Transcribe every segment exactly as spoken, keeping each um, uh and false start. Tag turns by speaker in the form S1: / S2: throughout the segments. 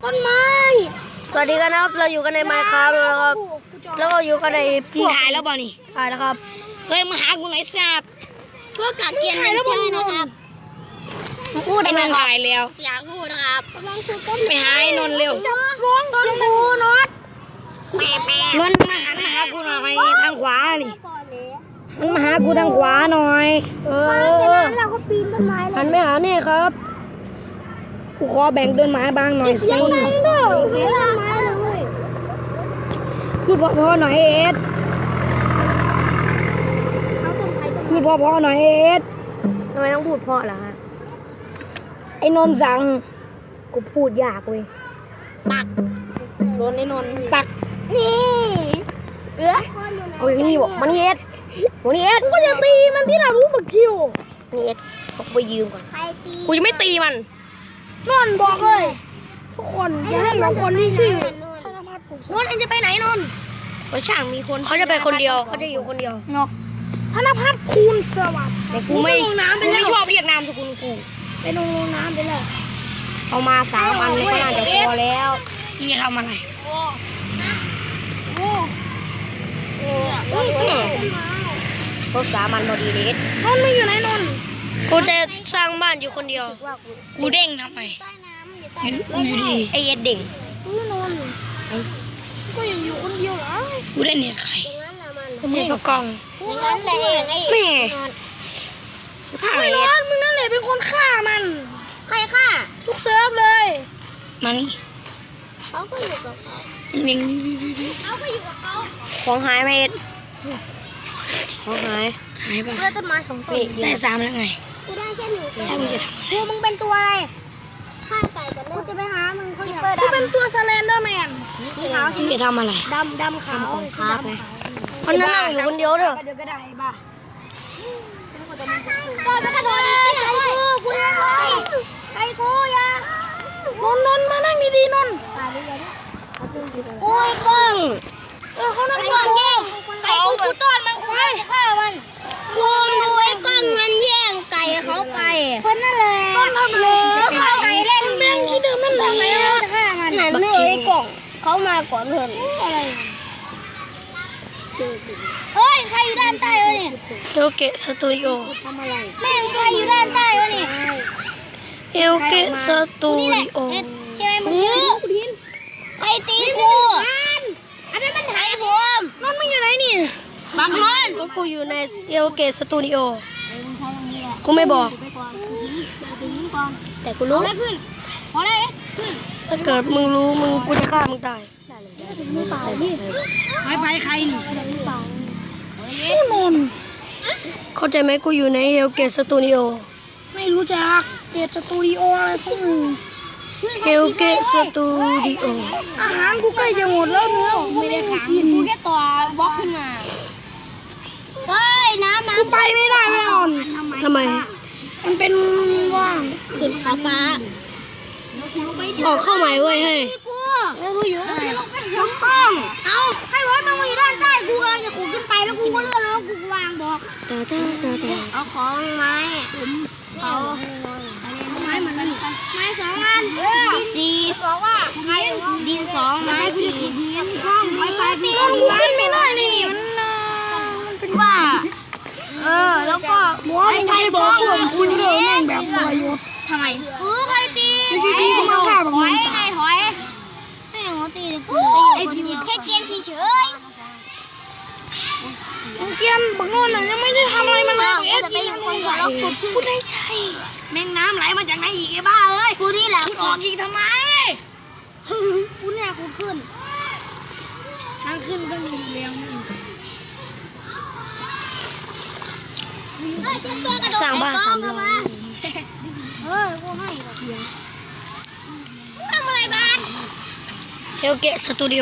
S1: ต้นไม้สวัสดีกันนะครับเราอยู่กันในไมค์ครับแล้วครับแล้วก็อยู่กันในพวก
S2: ถ่ายแล้วบ่นี่
S1: ถ่ายแล้วครับ
S2: เฮ้ยมาหากูหน่อยสัตว์
S3: พวกกาเกียนเป็นเจ้นะครับมาพูด
S2: ไอ้
S3: อะไร
S2: นนท์ถ่ายแล้ว
S3: อยากพูดนะครับกำลังพูดต้น
S2: ไปหาไอ้นนท์เร็ว
S1: ร้องต้นบูน็อต
S3: แม่แม่
S2: นนท์มาหันมาหากูหน่อยทางขวานี่มันมาหากูทางขวาหน่อยเออ
S3: เราก็ปีนต้นไม้เล
S2: หั
S3: ย
S2: นไม่หาเนี่ยครับกูขอแบ่งต้นไม้บ้างหน่อยสิ
S3: เด้อเด้อต้นไม้เลย
S2: พูดพอๆหน่อยเอ็ดพูดพอๆหน่อยเอ็ด
S1: ทำไมต้องพูดเพราะล่ะฮะ
S2: ไอ้นนท์สั่ง
S1: กูพูดยากเว้ย
S3: ปัก
S2: โดนไอ้นนท์ปัก
S3: นี่เออ
S1: เอาอย่างนี้บอกมันนี่เอ็ดมันนี่เอ็ดก็จะตีมันที่ไหนรู้บักคิวนี่เอ็ดบอกไปยืมก่อน
S3: ใครตี
S1: กูจะไม่ตีมันนนบอกเลยทุกคนอย่าให้บางคนที่ชื่อน
S3: นท์เอ็งจะไปไหนนนท์
S1: ก็ช่างมีคนเขาจะไปคนเดียวเขาจะอยู่คนเดียว
S2: เนาะ
S1: ธนพัฒน์คูณสวัสดิ์แต่กูไม่
S3: ลงน้ำไป
S1: กู
S3: แล้
S1: ไม่
S3: ว
S1: ชอบเรียกนามสกุลกู
S3: ไปลงน้ำไปแล้ว
S1: เอามาสามอันก็น่าจะพอแล้ว
S2: นี่จะทำอะไร
S3: โอ้โอ้โอ้
S1: ครบสามอันพอดีเด็ด
S3: นนท์ไม่อยู่ไหนนนท์
S1: กูจะสร้างบ้านอยู่คนเดียว
S2: กูเด้งทำไม
S3: ใต้น้ำอย่าใต้
S2: อยู่กูอยู่ดี
S1: ไอเอ็ดเด่ง
S3: นนท์ก็ยังอยู่คนเดียวเหรอ
S2: กูได้เน็ตใคร
S3: อย่างนั้นนะมัน
S1: กูไม่ประกอง
S3: อย่างนั้นแหละเองไอ้
S1: แม่ภาค
S3: ไอ้
S1: เอ็
S3: น
S1: ด
S3: นท์มึงนั่นแหละเป็นคนฆ่ามันใครฆ่าทุกเซิร์ฟเลย
S2: มานี่
S3: เขาก็อยู่กับเขา
S2: นิ่งๆๆ
S3: เขาก็อยู่กับเขา
S1: ของหายไหมเอ็ดของหาย
S2: ๆหายไป
S3: เพื่อต้นไม้สองต้น
S2: ได้สามแล้วไง
S3: กูได้แค่หนึ่งตัว
S2: แล้วมึงจะทำอะไร
S3: กูมึงเป็นตัวอะไรฆ่าไก่กันกูจะไปหามึงเขาอยากกูเป็นตัวสแลนเดอร์แมนสีขาว
S2: มึงจะทำอะไร
S3: ดำดำขาว
S1: ครับไงมันนั่งอยู่คนเดียวเด้อ
S3: เดี๋ยวก็ได้บ้าตัวจะกระโดดไก่กูกูยังไงไก่กูยังนนนนมานั่งดีๆนนโอ้ยกล้องเออเขานั่งก่อนแย่งไก่กูกูต้อนมันกูจะฆ่ามันกูดูไอ้กล้องมันแย่งไก่เขาไปคนนั่นแหละหรือเขาไก่เล่นแม่งที่เดิมนั่นแหละจะฆ่ามันนั่นเลยไอ้กล่องเขามาก่อนเพื่อนอะไรเฮ้ยใครอยู่ด้านใต้วะเนี่ย
S1: เอลเกะสตูดิโอ
S3: แม่งใครอยู่ด้านใต้วะเนี่ย
S1: เอลเกะสตูดิโอ
S3: ใช่ไหมมึงใครตีกูอันนั้นมันไอ้ผมมันไม่อยู่ไหนนี่บักมัน
S1: กูอยู่ในเอลเกะสตูดิโอกูไม่บอก แต่กูรู้
S3: พอแล้ว
S1: ถ้าเกิดมึงรู้มึงกูจะฆ่ามึงตาย
S2: ใครไปใครนี่
S1: นนเข้าใจไหมกูอยู่ในเอลเกตสตูดิโอ
S3: ไม่รู้จักเจตสตูดิโออะไรพวกมึง
S1: เอลเกตสตูดิโอ
S3: อาหารกูใกล้จะหมดแล้วเนื้อกูไม่ได้กินกูแค่ต่อบล็อกขึ้นมาเฮ้ยน้ำน้ำกูไปไม่ได้ไม่อ่อน
S1: ทำไม
S3: มันเป็นว่างสุดฟ้าฟ้า
S1: ออกเข้าใหม่เว้ยเฮ้ย
S3: กูแล้วกูอยู่ไหนลงป้องเอาให้ไว้มันมาอยู่ด้านใต้กูกำลังจะขุดขึ้นไปแล้วกูก็เลื่อนแล้วกูวางบอก
S1: ตาตาตาตา
S3: เอาของไม้เอาไม้เหมือนกันไม้สองอันสี่บอกว่าไม้ดินสองไม้สี่ดินห้องไม้ไปนี่มันขึ้นไม่ได้นี่มันมันเป็นว่าเออแล้วก็ไม้ไทยบอกผมคุณเดินแม่งแบบทรยศทำไมเออใครตีตีกูมาฆ่าแบบมันตายถอยไม่เอาตีกูแค่เกมเฉยเกียนบังโน่นยังไม่ได้ทำอะไรมันเลยเอ็ดจะไปอยู่คนก่อนแล้วกูชื่อกูได้ใจแม่งน้ำไหลมาจากไหนอีกไอ้บ้าเอ้ยกูนี่แหละออกอีกทำไมกูเนี่ยกูขึ้นทางขึ้นก็มีเลี้ยง
S1: สร้างบ้านสามร้อย
S3: เออกูให้ทำอะไรบ้าน
S1: เอลเกตสตูดิโอ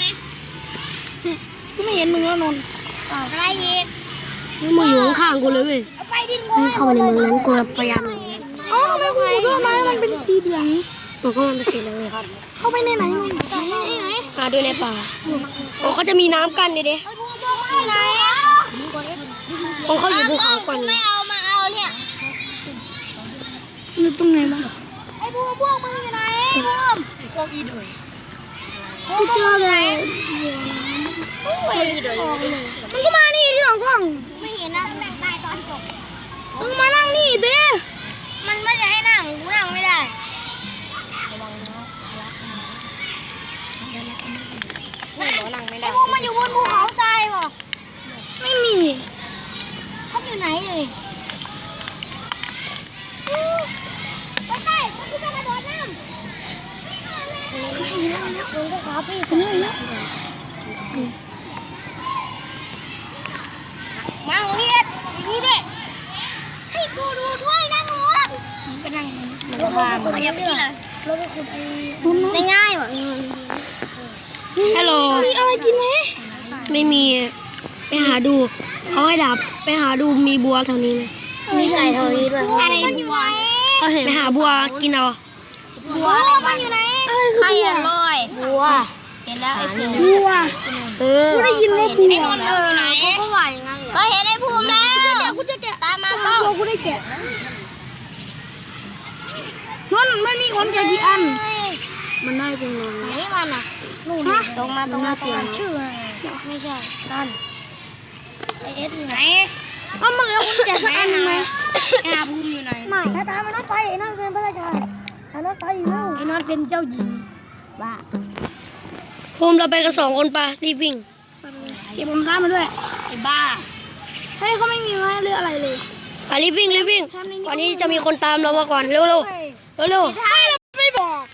S3: กูไม่เห็นมึงแล้วนนท์อะไรอีก
S1: มึงอยู่ข้างๆกูเลยเว้ย
S3: ไปดินกู
S1: เข้ามาในเมืองนั้นกูพยายาม
S3: อ๋อทำไมกูขุดด้วยไม้มันเป็นสีเหลือง
S1: มันก็มันเป็นสีเหลืองเลยครับ
S3: เข้าไปในไหนไหนไหน
S1: หาด้วยในป่าโอ้เขาจะมีน้ำกั้นดิเด้
S3: ไอ้บัวบัวมาไหน
S1: ของเขาอยู่ภูเขาก่อน
S3: ไม่เอามาเอาเนี่ย
S1: อยู่ตรงไหนบ้าง
S3: ไอ้บัวพวกมึงอยู่ไหนบัวพวกอีดุยกูเจอเลยมึงก็มานี่ที่หลังกล้องไม่เห็นนะนั่งใต้ตอนจบมึงมานั่งนี่ดิมันไม่จะให้นั่งกูนั่งไม่ได้ไอ้พวกมันอยู่บนภูเขาทรายป่ะไม่มีเขาอยู่ไหนเลยไปไปกูจะกระโดดน้ำมึงก็ขาพี่ไปเลยนะมาเรียดดูด้วยให้กูดูด้วยนะงูก็นั่งมันพามันยับที่เลยได้ง่ายว่ะฮัลโหลมีอะไรกินไหมไม่มีไปหาดูเขาให้ดับไปหาดูมีบัวแถวนี้ไหม
S1: มีไก่ทอดด้วย
S3: อะไรบัว
S2: ไปหาบัวกินเอา
S3: บัวอะไรมันอยู่ไหนใครอร่อย
S1: บัว
S3: เห็นแล้วไอ้ภูมิ
S1: บัวเออ
S3: ได้ยินว่าภูมิไอ้นนท์เออไหนก็ไหวงั้นก็เห็นไอ้ภูมิแล้วกูจะแกะตามมาเปล่ากูได้แกะนนท์มันมีคนแกะกี่อันมันได้ตรงนั้นไหนมันอ่ะนู่นตรงมาตรงมาตรงมาชื่อไม่ใช่กันไอเอสไหนอ้าวมันเหลือคนแกะสักอันหนึ่งไหมไอ้อาภูมิอยู่ไหนไม่ถ้าตามมันนัดไปไอ้นั่นเป็นพระราชาถ้านัดไปอยู่แล้วไอ้นั่นเป็นเจ้าหญิงบ้า
S2: ภูมิเราไปกันสองคนปะรีบวิ่ง
S3: เก็บผมข้ามมาด้วยไอ้บ้าเฮ้ยเขาไม่มีไม้เรืออะไรเลย
S2: ไปรีบวิ่งรีบวิ่งก่อนนี้จะมีคนตามเรามาก่อนเร็วเร็วเร็วเร็ว
S3: ใช่ไม่บอก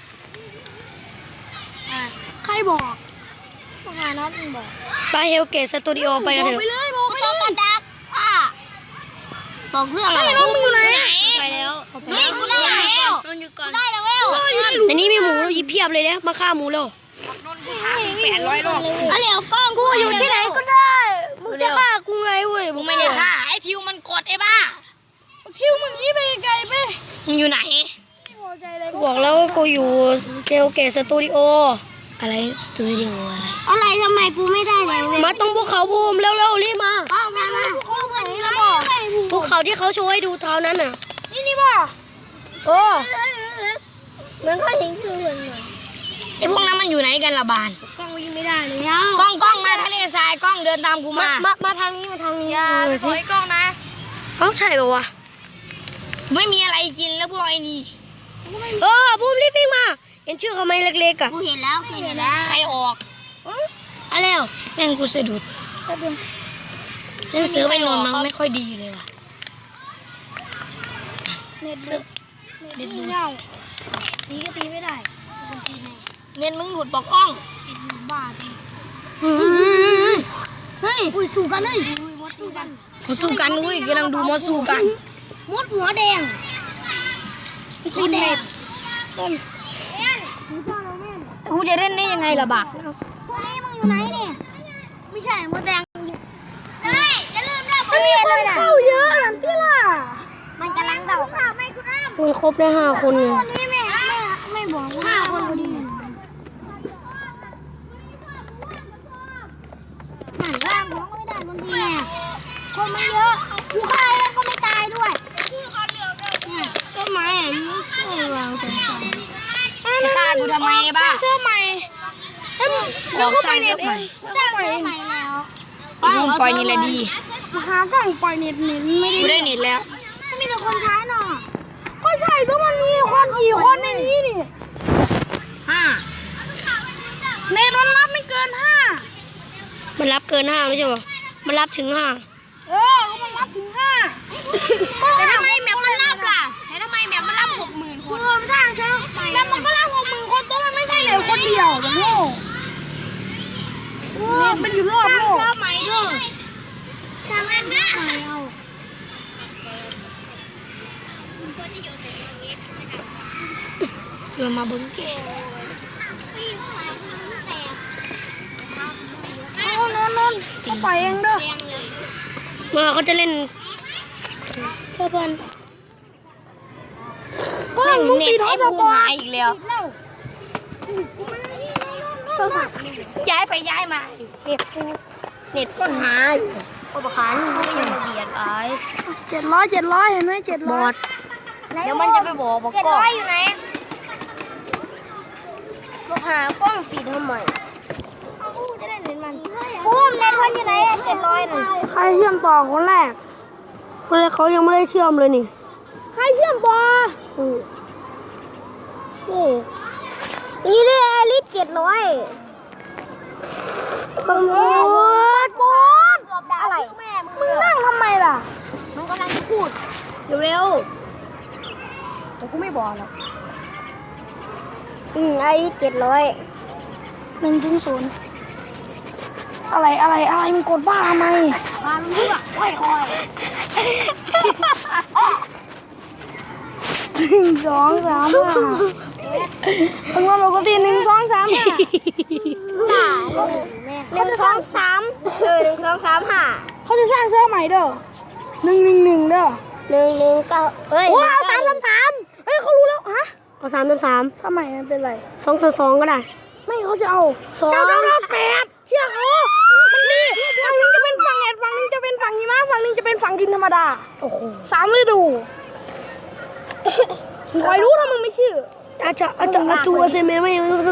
S3: ใครบอกมหานัดมันบอก
S2: ไปเฮลเกตสตูดิโอไปกันเถอะ
S3: ไปเลยบอกไปเลยกระดักอ่ะบอกเรื่องอะไรน้องมึงอยู่ไหน
S2: ไปแล้ว
S3: นี่กูได้แล้วกูได้แล้วเว้ย
S2: ในนี้มีหมูยิบเพียบเลยนะมาฆ่าหมูเร็ว
S3: แปดร้อยรอบอ่ะเหลียวกล้องกูอยู่ที่ไหนก็ได้
S2: มึงจะฆ่ากูไงเว้ย
S3: มึงไม่ได้ฆ่าไอ้ทิวมันกดไอ้บ้าทิวมึงยี่ไปไกลไปมึงอยู่ไหน
S2: บอกแล้วว่ากูอยู่เฮลเกตสตูดิโออะไรสตูดิโออะไร
S3: อะไรทำไมกูไม่ได้เลย
S2: มาตรงภูเขาภูมิเร็วเร็วรีบมา
S3: กล้องมามากูไหนแล้วบอก
S2: ภูเขาที่เขาโชว์ให้ดูเท่านั้นน่ะ
S3: นี่นี่บอก
S2: โอ้
S3: มันก็เห็นคือเหมือน
S2: ไอพวกนั้นมันอยู่ไหนกันละบาน
S3: กล้องวิ่งไม่ได้เลย
S2: กล้องกล้องมาทะเลทรายกล้องเดินตามกูมา
S1: มามาทางนี้มาทางนี้
S3: อย่าไปขอไอ้กล้องนะ
S2: เอ้าใช่ป่าวะ
S3: ไม่มีอะไรกินแล้วพวกไอ้นี่
S2: เออภูมิรีบวิ่งมา เห็นชื่อเขาไหมเล็กๆอ่ะ
S3: กูเห็นแล้วกูเห็นแล้ว
S2: ใครออกอะไรวแม่งกูสะดุดเล่นซื้อไปนอนมันไม่ค่อยดีเลยว่ะ
S3: เน็ตดึกเน็ตเงาตีก็ตีไม่ได้
S2: เน้นมึงหลุดบอกกล้อง
S3: เน็ตบ้าตีเฮ้ยอุ้ยสู้กันเลยมดสู้กัน
S2: มาสู้กันอุ้ยกำลังดูมาสู้กัน
S3: มดหัวแดงมดแดงต้น
S2: กูจะเล่นได้ยังไงล่ะบัก
S3: เฮ้ยมึงอยู่ไหนเนี่ยไม่ใช่มดแดงเฮ้ยอย่าลืมนะมันมีคนเข้าเยอะหลังที่ล่ะมันกำลังเดาไม่คุณอ้ำ
S2: คุณครบได้ห้าคนไง
S3: คนนี้ไม่ไม่ไม่บอกห้าคนพอดีหันร่างของก็ไม่ได้บางทีไงคนมันเยอะกูฆ่าเองก็ไม่ตายด้วยต้นไม้อ่ะไม่วางตรงกลาง
S2: จะฆ่ากูทำไมบ้า
S3: เสื้อใหม่เฮ้ย
S2: บอกช่างเสื้อใหม่
S3: เสื้อใหม่ใหม่แล้ว
S2: มึงปล่อยนี่แหละดี
S3: หากล้องปล่อยเน็ตเน็ตไม่ได้
S2: กูได้เน็ตแล้ว
S3: ไม่มีแต่คนใช้หน่อก็ใช่ก็มันมีคนกี่คนในนี้นี่
S2: ห้า
S3: เน็ตมันรับไม่เกินห้า
S2: มันรับเกินห้าไม่ใช่ป่ะมันรับถึงห้า
S3: เออก็มันรับถึงห้าแต่ทำไมแมปมันรับล่ะแต่ทำไมแมปมันรับหกหมื่นคนคือสร้างเซิร์ฟแมปมันก็รับหกหมื่นคนตัวมันไม่ใช่เหลือคนเดียวแบบโง่เน็ตมันอยู่รอบโลกใหม่ด้วยสร้างเซิร์ฟใหม่เอา
S2: เดินมาเบิ้งแก
S3: เอานอนนอนเขาไปเองเด้อ
S2: มาเขาจะเล่นเสื้อเพื่อน
S3: กล้องมึงปิดโทรศัพท์ก่อน
S2: อีกแล้ว
S3: โทรศัพท์
S2: ย้ายไปย้ายมาเน็ตกูเน็ตก็หาอยู่อุปกรณ์ไม่ยังมาเบียดไอ้
S3: เจ็ดร้อยเจ็ดร้อยเห็นไหมเจ็ด
S2: บ
S3: ร้
S2: อ
S3: อย
S2: ดเดี๋ยวมันจะไปบอกบอก
S3: เจ็ด
S2: ก็
S3: ร้อยอยู่ไหน
S1: หากล้องปิดทำไม
S3: จะได้เล่นมันพูมเล่นมันอยู่ไหนเจ็ดร้อยน่ะ
S2: ใครเชื่อมต่อคนแรกคนแรกเขายังไม่ได้เชื่อมเลยนี่
S1: ให้เชื่อมบอ
S3: นี่ได้อลิสเจ็ดร้อย
S2: บังบด
S1: บอส
S3: อะไร
S1: มึงนั่งทำไมล่ะมึงกำลังจะพูดเร็วๆแต่กูไม่บอกหรอก
S3: อืมอลิสเจ็ดร้อย
S2: หนึ่งถึงศูนย์อะไรอะไรอะไรมึงกดบ้าทำไม
S1: มาเลือกค่อย
S2: หนึ่งสองสามห้ามึงว่าปกติหนึ่งสองสามห้า
S3: หนึ่งสองสามเออหนึ่งสองสามห้า
S2: เขาจะสร้างเซิร์ฟใหม่เด้อหนึ่งหนึ่งหนึ่งเด้อ
S3: หนึ่งหนึ่งเก้าเฮ้ย
S2: โอ้เอาสามสามสามเฮ้ยเขารู้แล้วฮะเอาสามสามสามทำไมมันเป็นไรสองสองสองก็ได้ไม่เขาจะเอาสองแปดเที่ยเขามันดีฝั่งนึงจะเป็นฝั่งแอดฝั่งนึงจะเป็นฝั่งหิมะฝั่งนึงจะเป็นฝั่งดินธรรมดาโอ้โหสามฤดูคอยรู้ถ้ามึงไม่เชื่ออาจจะอาจจะอาตัวเซเมไม่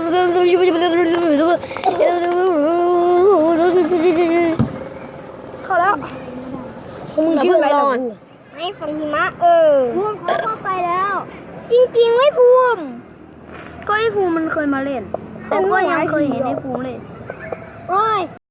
S2: เข้าแล้วมึงชื่ออะไรล่ะ
S3: ไม่ฟังหิมะเออภูมิเขาเข้าไปแล้ว จริงๆไม่ภูมิ
S1: ก็ไอ้ภูมิมันเคยมาเล่นเขาก็ยังเคยเห็นไอ้ภูมิเล่น
S3: โอ้ย